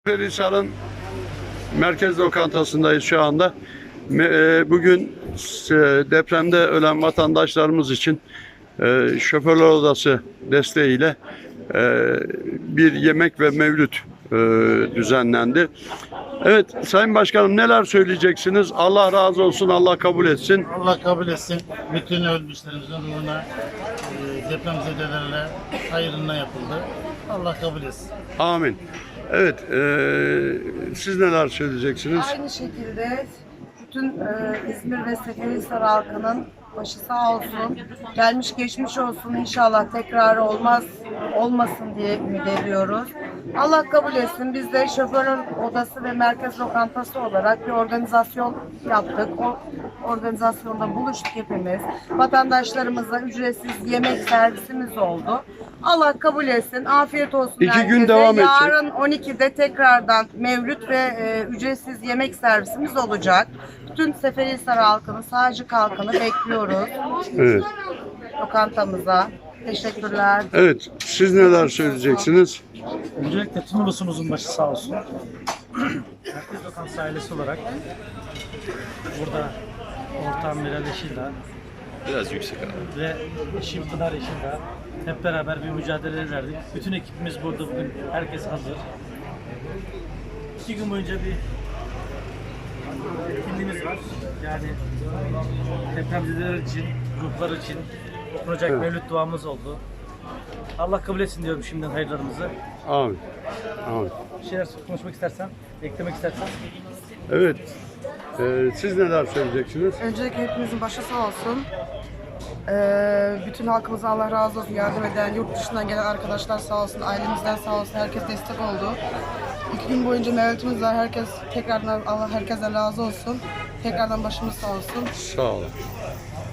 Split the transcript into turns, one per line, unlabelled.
Seferihisar'ın merkez lokantasındayız şu anda. Bugün depremde ölen vatandaşlarımız için şoförler odası desteğiyle bir yemek ve mevlüt düzenlendi. Evet Sayın Başkanım, neler söyleyeceksiniz? Allah razı olsun, Allah kabul etsin.
Allah kabul etsin. Bütün ölmüşlerimizin ruhuna, depremzedelerle hayrına yapıldı. Allah kabul etsin.
Amin. Evet, siz neler söyleyeceksiniz?
Aynı şekilde bütün İzmir ve Seferihisar halkının başı sağ olsun, gelmiş geçmiş olsun, inşallah tekrar olmasın diye ümit ediyoruz. Allah kabul etsin. Biz de şoförün odası ve merkez lokantası olarak bir organizasyon yaptık. O organizasyonda buluştuk hepimiz. Vatandaşlarımıza ücretsiz yemek servisimiz oldu. Allah kabul etsin. Afiyet olsun
2
herkese.
gün devam edecek.
Yarın 12'de tekrardan mevlüt ve ücretsiz yemek servisimiz olacak. Bütün Seferihisar halkını, Sağcık halkını bekliyoruz
Evet.
lokantamıza. Teşekkürler.
Evet, siz neler söyleyeceksiniz?
Öncelikle tüm ulusumuzun başı sağ olsun. Merkez Lokantası ailesi olarak burada ortağım Meral Yeşildağ
Biraz yüksek abi.
ve eşim Pınar Yeşildağ hep beraber bir mücadele verdik. Bütün ekibimiz burada bugün. Herkes hazır. 2 gün boyunca bir etkinliğimiz var. Yani depremzedeler için, ruhlar için okunacak mevlüt duamız oldu. Allah kabul etsin diyorum şimdiden hayırlarımızı.
Amin. Amin.
Bir şeyler konuşmak istersen, eklemek istersen.
Evet, siz neler söyleyeceksiniz?
Öncelikle hepimizin başı sağ olsun. Bütün halkımıza Allah razı olsun. Yardım eden, yurt dışından gelen arkadaşlar sağ olsun, ailemizden sağ olsun. Herkes destek oldu. 2 gün boyunca mevlütümüz var. Tekrardan Allah herkesten razı olsun. Tekrardan başımız sağ olsun.
Sağ olun.